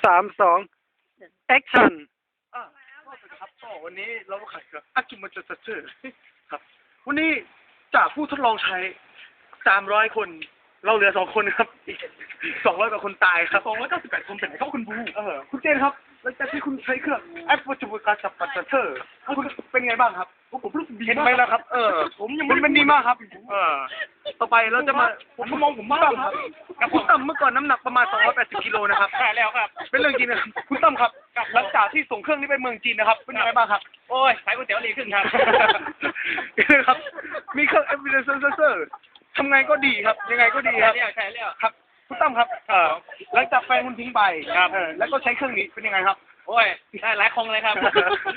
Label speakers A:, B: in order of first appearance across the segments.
A: 3 2 action
B: ครับก็วันนี้เราก็ขายอากิมาจัดเจอครับวันนี้จากผู้ทดลองใช้300 คนเราเหลือ2 คนครับอีก200 กว่าคนตายครับ298 คนเป็นไหนครับคุณบูคุณเจนครับหลังจากที่คุณใช้เครื่องแอปวัตถุการจับปัตเตอร์คุณเป็นไงบ้างครับผมรู้สึกดีเห็นไหมล่ะครับผมยังมันดีมากครับต่อไปเราจะมาผมมองผมบ้างครับกับคุณตั้มเมื่อก่อนน้ำหนักประมาณ280 กิโลนะครับใช่แล้วครับเป็นเรื่องจริงนะครับคุณตั้มครับหลังจากที่ส่งเครื่องนี้ไปเมืองจีนนะครับเป็นยังไงบ้างครับโอ้ยขายก๋วยเตี๋ยวดีขึ้นครับครับมีเครื่อง evidence sensor ทำไงก็ดีครับยังไงก็ดีครับใช่แล้วครับคุณตั้มครับหลังจากแฟนคุณทิ้งไปครับแล้วก็ใช้เครื่องนี้เป็นยังไงครับโอ้ยได้หลายคนเลยครับ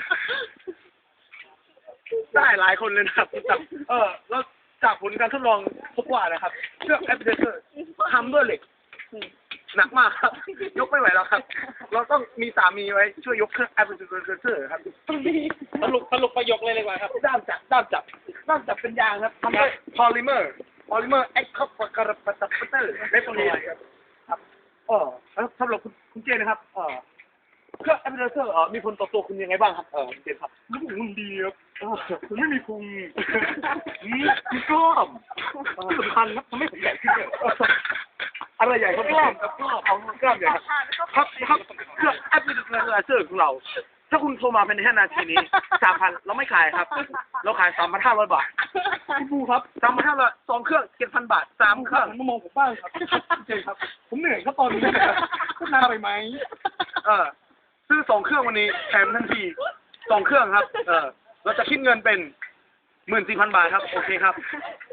B: ได้หลายคนเลยนะครับคุณตั้มแล้วจากผลการทดลองพบว่านะครับเครื่อง evidence ทำด้วยเหล็กหนักมากครับยกไม่ไหวแล้วครับเราต้องมีสามีไว้ช่วยยกเครื่อง evidence sensor ครับสรุปประโยคเลยดีกว่าครับด้ามจับเป็นยางครับทำด้วยพอลิเมอร์แอคคอปกระปัตเตอร์เรปโพลีครับแล้วสำหรับคุณเจนนะครับเครื่องแอปเปิลเซอร์มีผลต่อตัวคุณยังไงบ้างครับคุณเจนครับมันดีครับผมไม่มีพุงมีกล้ามที่สำคัญครับทำให้ผมใหญ่ขึ้นเลยอะไรใหญ่ครับกล้ามเอากล้ามใหญ่ครับเครื่องแอปเปิลเซอร์ของเราถ้าคุณโทรมาเป็น5 นาทีนี้ 3,000 เราไม่ขายครับเราขาย 3,500 บาทคุณบูครับ 3,500 2 เครื่อง 7,000 บาท 3 เครื่องมามองผมบ้างครับเจนครับผมเหนื่อยครับตอนนี้พูดนานไปไหมซื้อ2 เครื่องวันนี้แถมทันที2 เครื่องครับเราจะคิดเงินเป็น 14,000 บาทครับโอเคครับ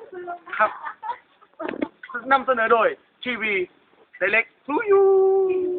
B: ครับนำเสนอโดยทีวีไดเรกทูยู